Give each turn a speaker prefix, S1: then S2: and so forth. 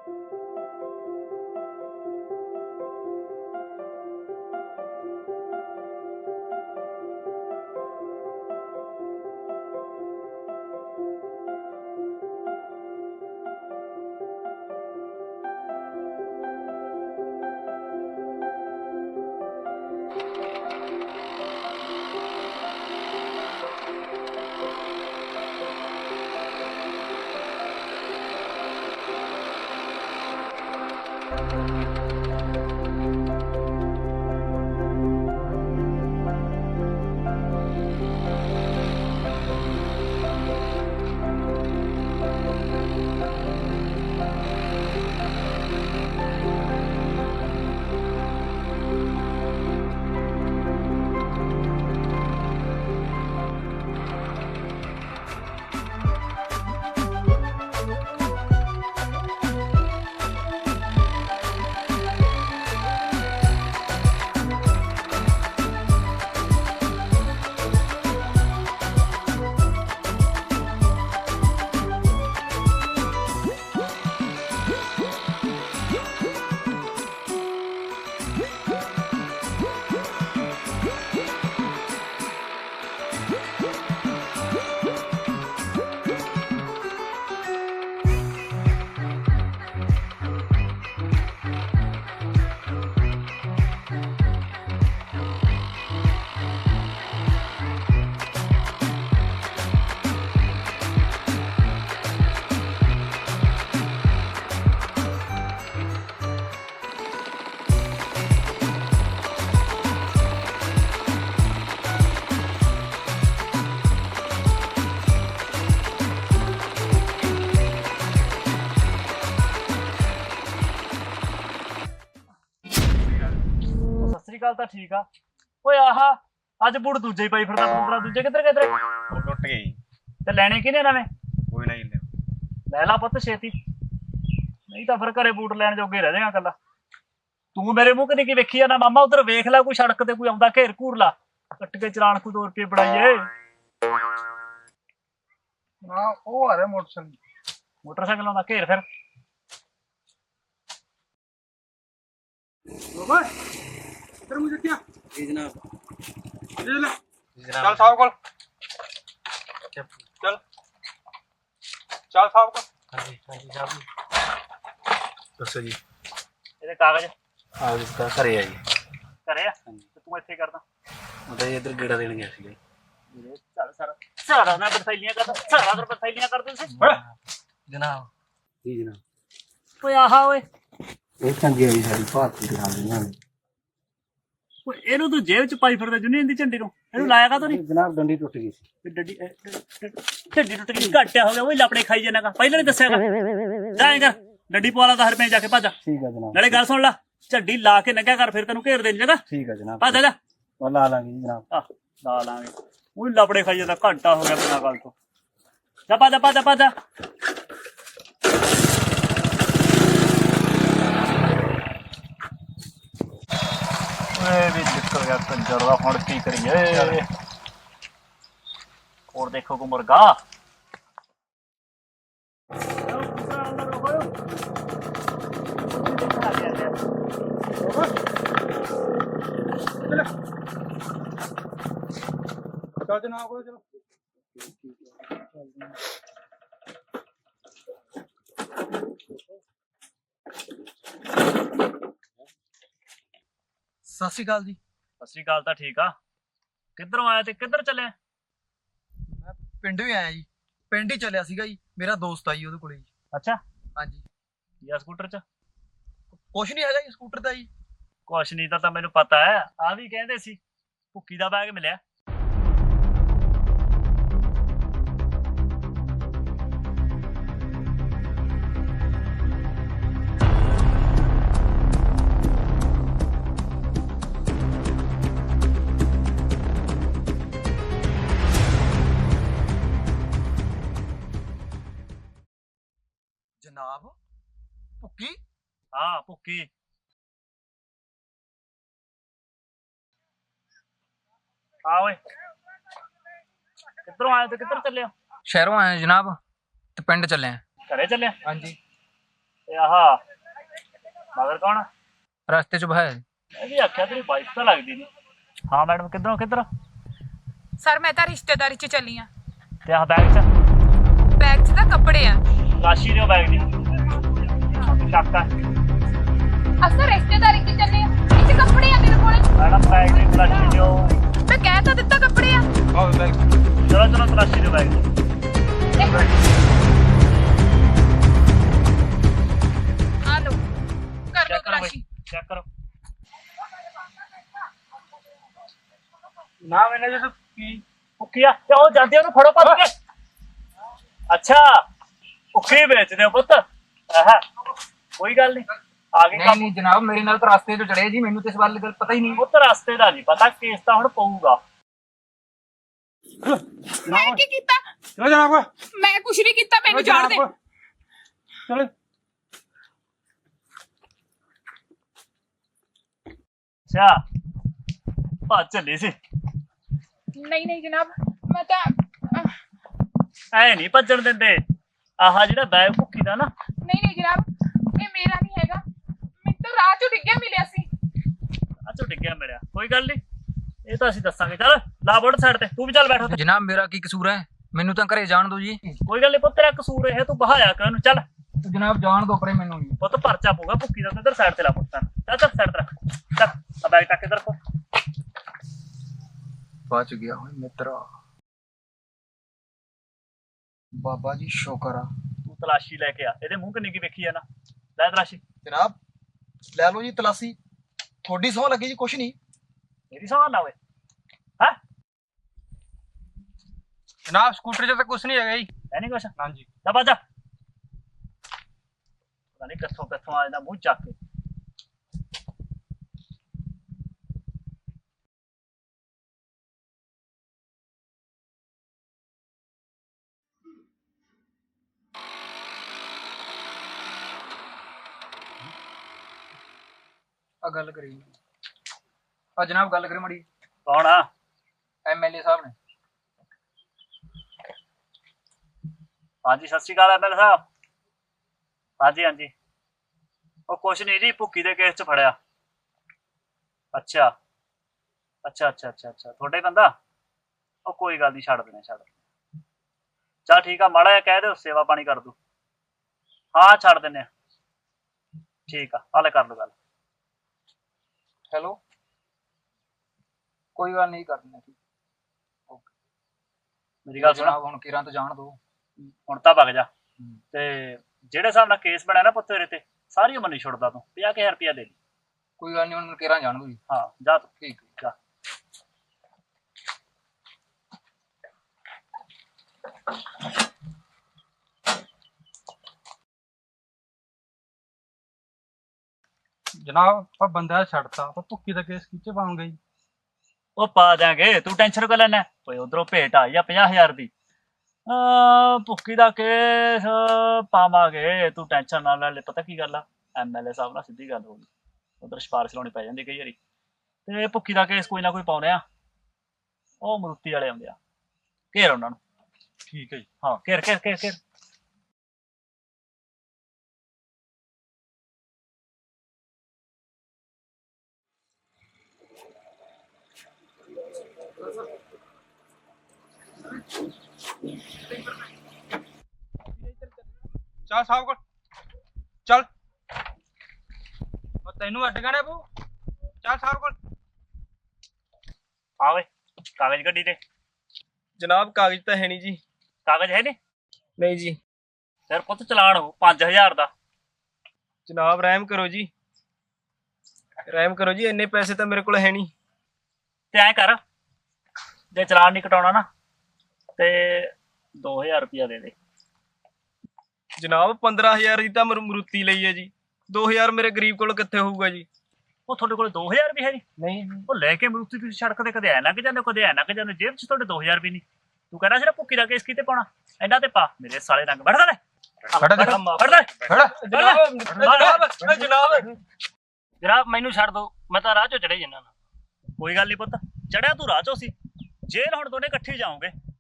S1: ਗੱਲ ਤਾਂ ਠੀਕ ਆ। ਓਏ ਆਹ ਅੱਜ ਬੂਟ ਦੂਜੇ ਹੀ ਪਾਈ ਫਿਰਦਾ ਪੂਰਾ। ਦੂਜੇ ਕਿੱਧਰ ਕਿੱਧਰ
S2: ਉਹ ਟੁੱਟ ਗਈ
S1: ਤੇ ਲੈਣੇ ਕਿਹਨੇ ਨਵੇਂ?
S2: ਕੋਈ ਨਾ ਜੀ
S1: ਲੈ ਲਾ ਪੁੱਤ ਛੇਤੀ, ਨਹੀਂ ਤਾਂ ਫਿਰ ਘਰੇ ਬੂਟ ਲੈਣ ਜੋਗੇ ਰਹਿ ਜਾਏਗਾ ਕੱਲਾ। ਤੂੰ ਮੇਰੇ ਮੂੰਹ ਕਦੇ ਕੀ ਵੇਖੀ ਜਾਂਦਾ ਮਾਮਾ? ਉਧਰ ਵੇਖ ਲੈ, ਕੋਈ ਸੜਕ ਤੇ ਕੋਈ ਆਉਂਦਾ ਘੇਰ ਘੂਰ ਲਾ, ਕੱਟ ਕੇ ਚਲਾਨ ਕੋਈ 2 ਰੁਪਏ ਬਣਾਈਏ।
S2: ਹਾਂ ਉਹ ਆ ਰਿਹਾ
S1: ਮੋਟਰਸਾਈਕਲ ਆਉਂਦਾ ਘੇਰ ਫਿਰ।
S2: इधर मुझे क्या
S3: जी जनाब।
S2: ये ले चल साहब को चल चल साहब को।
S3: हाँ जी साहब दसो जी।
S1: ਇਹਦੇ ਕਾਗਜ਼
S3: हाँ जी इसका घरे है जी।
S1: ਘਰੇ ਆ ਤੇ ਤੂੰ ਇੱਥੇ ਕਰਦਾ?
S3: मतलब इधर गेड़ा देने गया सी।
S1: ਸਾਰਾ ਨਾ ਬਰਥੈਲੀਆਂ ਕਰਦਾ, ਸਾਰਾ ਦਰ ਬਰਥੈਲੀਆਂ ਕਰਦੇ ਤੁਸੀਂ
S3: जनाब। जी जनाब।
S1: ਓਏ ਆਹਾ ਓਏ,
S3: ਇਹ ਚੰਗੀ ਆਈ ਸਾਡੀ ਭਾਰਤੀ ਦਿਖਾ ਦਿੰਦੇ ਨੇ।
S1: ਓਏ ਇਹਨੂੰ ਤੂੰ ਜੇਬ ਚ ਪਾਈ ਫਿਰਦਾ ਯੂਨੀਅਨ ਦੀ ਝੰਡੀ ਨੂੰ, ਇਹਨੂੰ ਲਾਇਆ ਕਾ ਤੋ ਨਹੀਂ?
S3: ਜਨਾਬ ਡੰਡੀ ਟੁੱਟ ਗਈ ਸੀ।
S1: ਡੱਡੀ ਝੰਡੀ ਟੁੱਟ ਗਈ, ਘਾਟਿਆ ਹੋ ਗਿਆ। ਓਏ ਲਾਪੜੇ ਖਾਈ ਜਾਣਾ, ਪਹਿਲਾਂ ਨਹੀਂ ਦੱਸਿਆ ਜਾਏਗਾ। ਡੱਡੀ ਪਵਾ ਲਾ 10 ਰੁਪਏ ਜਾ ਕੇ ਭੱਜ।
S3: ਠੀਕ ਹੈ ਜਨਾਬ।
S1: ਨਾਲੇ ਗੱਲ ਸੁਣ ਲਾ, ਝੰਡੀ ਲਾ ਕੇ ਨੰਗਾ ਕਰ, ਫਿਰ ਤੈਨੂੰ ਘੇਰ ਦੇਣੀ ਜਗਾ।
S3: ਠੀਕ ਹੈ ਜਨਾਬ।
S1: ਭੱਜ ਜਾ।
S3: ਉਹ ਲਾ ਲਾਂਗੇ ਜੀ ਜਨਾਬ।
S1: ਆਹ ਲਾ ਲਾਂਗੇ। ਓਏ ਲਾਪੜੇ ਖਾਈ ਜਾਂਦਾ, ਘੰਟਾ ਹੋ ਗਿਆ ਬਿਨਾਂ ਗੱਲ ਤੋਂ। ਜਾ ਭੱਜ ਭੱਜ ਭੱਜ। ਓਏ ਵੀ ਨਿਕਲ ਗਿਆ ਕੰਜਰ ਦਾ, ਹੁਣ ਕੀ ਕਰੀਏ? ਹੋਰ ਦੇਖੋ ਕੋ ਮੁਰਗਾ
S2: चल जनाब को चलो।
S3: ਸਤਿ ਸ਼੍ਰੀ ਅਕਾਲ ਜੀ।
S1: ਸਤਿ ਸ਼੍ਰੀ ਅਕਾਲ ਤਾਂ ਠੀਕ ਆ। ਕਿੱਧਰੋਂ ਆਇਆ ਤੇ ਕਿੱਧਰ ਚੱਲਿਆ?
S3: ਮੈਂ ਪਿੰਡ ਵੀ ਆਇਆ ਜੀ। ਪਿੰਡ ਹੀ ਚੱਲਿਆ ਸੀਗਾ ਜੀ, ਮੇਰਾ ਦੋਸਤ ਆ ਜੀ ਉਹਦੇ ਕੋਲੇ ਜੀ।
S1: ਅੱਛਾ,
S3: ਹਾਂਜੀ।
S1: ਜਾਂ ਸਕੂਟਰ ਚ?
S3: ਕੁਛ ਨਹੀਂ ਹੈਗਾ ਜੀ ਸਕੂਟਰ ਦਾ ਜੀ।
S1: ਕੁਛ ਨਹੀਂ ਤਾਂ ਮੈਨੂੰ ਪਤਾ ਹੈ। ਆ ਵੀ ਕਹਿੰਦੇ ਸੀ ਭੁੱਕੀ ਦਾ ਬੈਗ ਮਿਲਿਆ।
S3: ਜਨਾਬ ਭੁੱਕੀ?
S1: ਹਾਂ ਭੁੱਕੀ। ਆ ਓਏ, ਕਿੱਧਰੋਂ ਆਇਆ ਤੇ ਕਿੱਧਰ ਚੱਲਿਆ?
S4: ਸ਼ਹਿਰੋਂ ਆਏ ਜਨਾਬ ਤੇ ਪਿੰਡ ਚੱਲੇ ਆ।
S1: ਘਰੇ ਚੱਲਿਆ?
S4: ਹਾਂਜੀ।
S1: ਤੇ ਆਹ ਮਗਰ ਕੌਣ?
S3: ਰਸਤੇ 'ਚ ਭਾਇਆ
S1: ਮੈਂ ਵੀ ਆਖਿਆ ਤੇਰੀ ਵਾਈਫ ਤਾਂ ਲੱਗਦੀ ਨਹੀਂ। ਹਾਂ ਮੈਡਮ, ਕਿੱਧਰੋਂ ਕਿੱਧਰ?
S4: ਸਰ ਮੈਂ ਤਾਂ ਰਿਸ਼ਤੇਦਾਰੀ 'ਚ ਚੱਲੀ ਆ।
S1: ਤੇ ਆਹ ਬੈਗ 'ਚ
S4: ਬੈਗ 'ਚ ਤਾਂ ਕੱਪੜੇ ਆ।
S1: ਰਾਸ਼ੀ ਦਿਓ ਬੈਗ ਦੀ। ਚੱਕ ਆ
S4: ਅਸਾਂ ਰਿਸ਼ਤੇਦਾਰੀ 'ਚ ਚੱਲੇ ਆ, ਇਹ 'ਚ ਕੱਪੜੇ ਆ ਮੇਰੇ ਕੋਲੇ।
S1: ਮੈਡਮ, ਬੈਗ ਦੀ ਤਲਾਸ਼ੀ ਦਿਓ।
S4: ਮੈਂ ਕਹਿ ਤਾਂ ਦਿੱਤਾ ਕੱਪੜੇ ਆ।
S2: ਆਓ ਬੈਗ।
S1: ਚਲੋ ਚਲੋ, ਤਲਾਸ਼ੀ ਦਿਓ ਬੈਗ ਦੀ।
S4: ਇੱਕ ਮਿੰਟ। ਆ ਲਓ, ਕਰ ਲਓ
S1: ਚੈੱਕ ਕਰੋ
S4: ਤਲਾਸ਼ੀ।
S1: ਬਈ, ਚੈੱਕ ਕਰੋ।
S2: ਨਾ ਮੈਨੇ ਜਦੋਂ ਕੀ
S1: ਭੁੱਕੀ ਆ ਤੇ ਉਹ ਜਾਂਦੇ ਉਹਨੂੰ ਫੜੋ ਭੱਜ ਕੇ। ਅੱਛਾ, ਭੁੱਕੀ ਵੇਚਦੇ ਹੋ ਪੁੱਤ? ਆਹ ਕੋਈ ਗੱਲ ਨਹੀਂ, ਆ ਗਏ ਕੰਮ।
S3: ਨਹੀਂ ਜਨਾਬ, ਮੇਰੇ ਨਾਲ ਤਾਂ ਰਸਤੇ 'ਚ ਚੜੇ ਜੀ, ਮੈਨੂੰ ਤੇ ਇਸ ਬਾਰੇ ਗੱਲ ਪਤਾ ਹੀ ਨਹੀਂ।
S1: ਪੁੱਤ ਰਸਤੇ ਦਾ ਨਹੀਂ ਪਤਾ, ਕੇਸ ਤਾਂ ਹੁਣ ਪਊਗਾ।
S4: ਮੈਂ ਕੀ ਕੀਤਾ?
S2: ਚਲੋ ਜਨਾਬ।
S4: ਮੈਂ ਕੁਝ ਨਹੀਂ ਕੀਤਾ, ਮੈਨੂੰ ਛੱਡ ਦੇ।
S2: ਚਲੋ
S1: ਅੱਛਾ, ਭੱਜ ਚੱਲੀ ਸੀ।
S4: ਨਹੀਂ ਨਹੀਂ ਜਨਾਬ, ਮੈਂ ਤਾਂ
S1: ਐ ਨਹੀਂ ਭੱਜਣ ਦਿੰਦੇ। ਆਹ ਜਿਹੜਾ ਬੈਗ ਭੁੱਕੀ ਦਾ ਨਾ,
S4: ਨਹੀਂ ਜਨਾਬ, ਇਹ ਮੇਰਾ ਨਹੀਂ ਹੈਗਾ। ਮੈਨੂੰ ਤਾਂ ਰਾਹ 'ਚੋਂ ਡਿੱਗਿਆ ਮਿਲਿਆ ਸੀ।
S1: ਅੱਛਾ ਡਿੱਗਿਆ ਮਿਲਿਆ, ਕੋਈ ਗੱਲ ਨਹੀਂ, ਇਹ ਤਾਂ ਅਸੀਂ ਦੱਸਾਂਗੇ। ਚੱਲ ਲਾ ਬੋਰਡ ਸਾਈਡ ਤੇ, ਤੂੰ ਵੀ ਚੱਲ ਬੈਠ ਉੱਥੇ।
S3: ਜਨਾਬ ਮੇਰਾ ਕੀ ਕਸੂਰ ਹੈ? ਮੈਨੂੰ ਤਾਂ ਘਰੇ ਜਾਣ ਦਿਓ ਜੀ।
S1: ਕੋਈ ਗੱਲ ਨਹੀਂ ਪੁੱਤ, ਤੇਰਾ ਕਸੂਰ ਇਹ, ਤੂੰ ਬਹਾਇਆ ਕਰ ਉਹਨੂੰ। ਚੱਲ
S3: ਜਨਾਬ ਜਾਣ ਦਿਓ ਪਰੇ ਮੈਨੂੰ ਜੀ।
S1: ਪੁੱਤ, ਪਰਚਾ ਪਊਗਾ ਭੁੱਕੀ ਦਾ। ਤੂੰ ਇੱਧਰ ਸਾਈਡ ਤੇ ਲਾ ਪੁੱਤ। ਚੱਲ ਚੱਲ ਸਾਈਡ ਤੇ ਰੱਖ। ਚੱਲ ਆ ਬੈਗ ਟੱਕ ਇੱਧਰ ਰੱਖੋ।
S3: ਬਚ ਗਿਆ ਹੋਏ ਮਿੱਤਰਾ, ਬਾਬਾ ਜੀ ਸ਼ੁਕਰ ਆ।
S1: ਤੂੰ ਤਲਾਸ਼ੀ ਲੈ ਕੇ ਆ। ਇਹਦੇ ਮੂੰਹ ਕਿੰਨੀ ਕੀ ਵੇਖੀ ਆ ਨਾ। ਲੈ ਤਲਾਸ਼ੀ।
S3: ਜਨਾਬ ਲੈ ਲਓ ਜੀ ਤਲਾਸ਼ੀ, ਤੁਹਾਡੀ ਸਹੁੰ ਲੱਗੀ ਜੀ, ਕੁਛ ਨਹੀਂ।
S1: ਮੇਰੀ ਸਵਾਲ ਨਾ ਓਏ। ਹੈ
S2: ਜਨਾਬ, ਸਕੂਟਰ 'ਚ ਤਾਂ ਕੁਝ ਨਹੀਂ ਹੈਗਾ ਜੀ।
S1: ਐ ਨਹੀਂ ਕੁਛ?
S2: ਹਾਂਜੀ।
S1: ਜਾ ਬਾਜਾ। ਪਤਾ ਨਹੀਂ ਕਿੱਥੋਂ ਕਿੱਥੋਂ ਆ ਜਾਂਦਾ ਮੂੰਹ ਚੱਕ ਕੇ।
S3: ਆ ਗੱਲ ਕਰੀ ਆ ਜਨਾਬ, ਗੱਲ ਕਰੀ ਮੜੀ।
S1: ਕੌਣ ਆ?
S3: ਐਮਐਲਏ ਸਾਹਿਬ ਨੇ।
S1: ਹਾਂਜੀ, ਸਤਿ ਸ਼੍ਰੀ ਅਕਾਲ ਐਮਐਲਏ ਸਾਹਿਬ। ਹਾਂਜੀ ਹਾਂਜੀ, ਉਹ ਕੁਛ ਨਹੀਂ ਜੀ, ਭੁੱਕੀ ਦੇ ਕੇਸ 'ਚ ਫੜਿਆ। ਅੱਛਾ ਅੱਛਾ ਅੱਛਾ ਅੱਛਾ ਅੱਛਾ, ਤੁਹਾਡਾ ਹੀ ਬੰਦਾ? ਉਹ ਕੋਈ ਗੱਲ ਨਹੀਂ, ਛੱਡ ਦੇਣੇ, ਛੱਡ ਦੇਣੇ। ਚੱਲ ਠੀਕ ਆ, ਮਾੜਾ ਜਿਹਾ ਕਹਿ ਦਿਓ, ਸੇਵਾ ਪਾਣੀ ਕਰ ਦੂ। ਹਾਂ ਛੱਡ ਦਿੰਦੇ ਆ। ਠੀਕ ਆ, ਹਾਲੇ ਕਰ ਲਓ ਗੱਲ।
S3: ਹੈਲੋ, ਕੋਈ ਗੱਲ ਨਹੀਂ ਕਰਨੀ।
S1: ਮੇਰੀ ਗੱਲ ਸੁਣ,
S3: ਜਨਾਬ ਹੁਣ ਕਿਰਾਂ ਤੋਂ ਜਾਣ ਦਿਓ।
S1: ਹੁਣ ਤਾਂ ਵਗ ਜਾ। ਤੇ ਜਿਹੜੇ ਹਿਸਾਬ ਨਾਲ ਕੇਸ ਬਣਿਆ ਨਾ ਪੁੱਤ ਤੇਰੇ ਤੇ, ਸਾਰੀ ਉਮਰ ਨਹੀਂ ਛੁੱਟਦਾ ਤੂੰ। 50,000 ਰੁਪਇਆ ਦੇ ਦੀ।
S3: ਕੋਈ ਗੱਲ ਨਹੀਂ, ਹੁਣ ਕਿਰਾਂ ਜਾਣ ਦਿਓ ਜੀ।
S1: ਹਾਂ ਜਾ ਤੂੰ।
S3: ਠੀਕ
S1: ਜਾ।
S2: ਜਨਾਬ ਆਪਾਂ ਬੰਦਾ ਛੱਡਤਾ, ਆਪਾਂ ਭੁੱਕੀ ਦਾ ਕੇਸ ਕਿੱਥੇ ਪਾਉਂਗੇ ਜੀ?
S1: ਉਹ ਪਾ ਦਿਆਂਗੇ, ਤੂੰ ਟੈਨਸ਼ਨ ਕਿਉਂ ਲੈਣਾ? ਓਏ ਉਧਰੋਂ ਭੇਟ ਆਈ ਆ 50,000 ਦੀ। ਭੁੱਕੀ ਦਾ ਕੇਸ ਪਾਵਾਂਗੇ, ਤੂੰ ਟੈਨਸ਼ਨ ਨਾ ਲੈ। ਪਤਾ ਕੀ ਗੱਲ ਆ, ਐਮਐਲਏ ਸਾਹਿਬ ਨਾਲ ਸਿੱਧੀ ਗੱਲ ਹੋ ਗਈ, ਉਧਰ ਸਿਫਾਰਿਸ਼ ਲਾਉਣੀ ਪੈ ਜਾਂਦੀ ਕਈ ਵਾਰੀ। ਤੇ ਭੁੱਕੀ ਦਾ ਕੇਸ ਕੋਈ ਨਾ ਕੋਈ ਪਾਉਣੇ ਆ। ਉਹ ਮਰੂਤੀ ਵਾਲੇ ਆਉਂਦੇ ਆ, ਘੇਰ ਉਹਨਾਂ ਨੂੰ।
S2: ਠੀਕ ਹੈ ਜੀ।
S1: ਹਾਂ ਘੇਰ ਘੇਰ ਘੇਰ ਘੇਰ।
S2: ਚੱਲ ਸਾਹਿਬ ਕੋਲ ਚੱਲ। ਉਹ ਤੈਨੂੰ ਅੱਡ ਗਾਣੇ ਪਊ। ਚੱਲ ਸਾਹਿਬ ਕੋਲ।
S1: ਆ ਵੇ ਕਾਗਜ਼ ਗੱਡੀ ਤੇ।
S5: ਜਨਾਬ ਕਾਗਜ਼ ਤਾਂ ਹੈ ਨਹੀਂ ਜੀ।
S1: ਕਾਗਜ਼ ਹੈ ਨੀ?
S5: ਨਹੀਂ ਜੀ।
S1: ਫਿਰ ਪੁੱਤ ਚਲਾਨ ਹੋ 5,000 ਦਾ।
S5: ਜਨਾਬ ਰਹਿਮ ਕਰੋ ਜੀ, ਰਹਿਮ ਕਰੋ ਜੀ, ਇੰਨੇ ਪੈਸੇ ਤਾਂ ਮੇਰੇ ਕੋਲ ਹੈ ਨਹੀਂ।
S1: ਤੇ ਐਂ ਕਰ, ਜੇ ਚਲਾਨ ਨਹੀਂ ਕਟਾਉਣਾ ਨਾ ਤੇ 2,000 ਰੁਪਇਆ ਦੇ ਦੇ।
S5: ਜਨਾਬ 15,000 ਦੀ ਤਾਂ ਮਰੂਤੀ ਲਈ ਹੈ ਜੀ, 2,000 ਮੇਰੇ ਗਰੀਬ ਕੋਲ ਕਿੱਥੇ ਹੋਊਗਾ ਜੀ?
S1: ਉਹ ਤੁਹਾਡੇ ਕੋਲ 2,000 ਵੀ ਹੈ ਨਹੀਂ?
S5: ਨਹੀਂ ਜੀ।
S1: ਉਹ ਲੈ ਕੇ ਮਰੂਤੀ ਤੁਸੀਂ ਸੜਕ ਤੇ ਕਦੇ ਐ ਲੰਘ ਜਾਂਦੇ, ਕਦੇ ਐ ਲੰਘ ਜਾਂਦੇ, ਜੇਬ 'ਚ ਤੁਹਾਡੇ 2,000 ਵੀ ਨਹੀਂ। ਤੂੰ ਕਹਿੰਦਾ ਸੀ ਨਾ ਭੁੱਕੀ ਦਾ ਕੇਸ ਕਿਤੇ ਪਾਉਣਾ, ਇਹਨਾਂ ਤੇ ਪਾ। ਮੇਰੇ ਸਾਲੇ ਰੰਗ ਵੜਦਾ ਲੈ, ਵੜਦਾ
S5: ਜਨਾਬ ਮੈਨੂੰ ਛੱਡ ਦਿਓ, ਮੈਂ ਤਾਂ ਰਾਹ ਚੋਂ ਚੜੇ ਜੰਨਾ।
S1: ਕੋਈ ਗੱਲ ਨਹੀਂ ਪੁੱਤ, ਚੜਿਆ ਤੂੰ ਰਾਹ ਚੋਂ ਸੀ, ਜੇਲ੍ਹ ਹੁਣ ਦੋਨੇ ਇਕੱਠੇ ਜਾਓਗੇ।